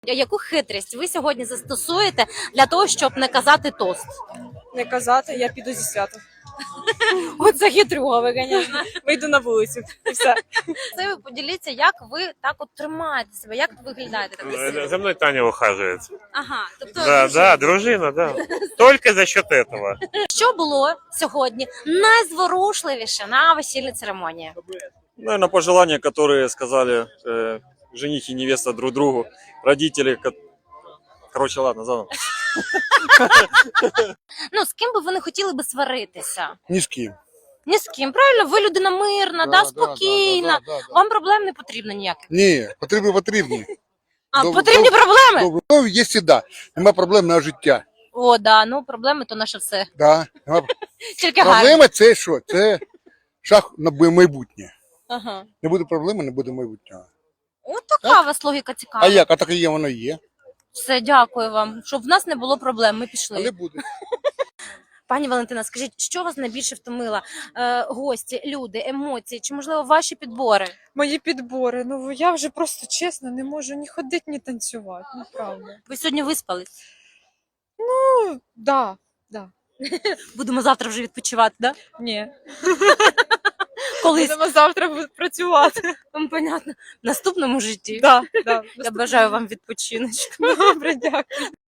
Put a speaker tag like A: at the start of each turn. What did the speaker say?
A: Яку хитрість ви сьогодні застосуєте для того, щоб не казати тост?
B: Не казати, я піду зі свята.
A: Оце хитрюга ви, звісно.
B: Вийду на вулицю і все.
A: Це ви поділіться, як ви так от тримаєте себе, як виглядаєте? Так,
C: За мной Таня ухаживает.
A: ага, тобто
C: Да, дружина, да. Только за счет этого.
A: що було сьогодні найзворушливіше на весільній церемонії?
D: Наверное, пожелания, которые сказали жених и невеста друг другу, родители. Короче, ладно, заново.
A: Ну, з ким би ви не хотіли би сваритися?
E: Ні з ким.
A: Ні з ким, правильно? Ви людина мирна, спокійна. Вам проблем не потрібно ніяких.
E: Ні, потрібні.
A: А,
E: Добре,
A: потрібні проблеми?
E: Добре. Ну, є сіда. Нема проблем на життя.
A: О, да, ну проблеми то наше все.
E: Да.
A: Тільки гарно.
E: Проблема це що? Це шаг на майбутнє.
A: Ага.
E: Не буде проблеми, не буде майбутнього.
A: От така у вас логіка цікава.
E: А як? А так і є, воно є.
A: Все, дякую вам. Щоб в нас не було проблем, ми пішли.
E: Але буде.
A: Пані Валентина, скажіть, що вас найбільше втомило? Гості, люди, емоції, чи, можливо, ваші підбори?
B: Мої підбори. Ну я вже просто чесно не можу ні ходити, ні танцювати. Ну правда.
A: Ви сьогодні виспались?
B: Ну, да.
A: Будемо завтра вже відпочивати, да?
B: Ні.
A: Колись.
B: Будемо завтра працювати.
A: Понятно. В наступному житті.
B: Да.
A: Я бажаю вам відпочиночку.
B: Добре, дякую.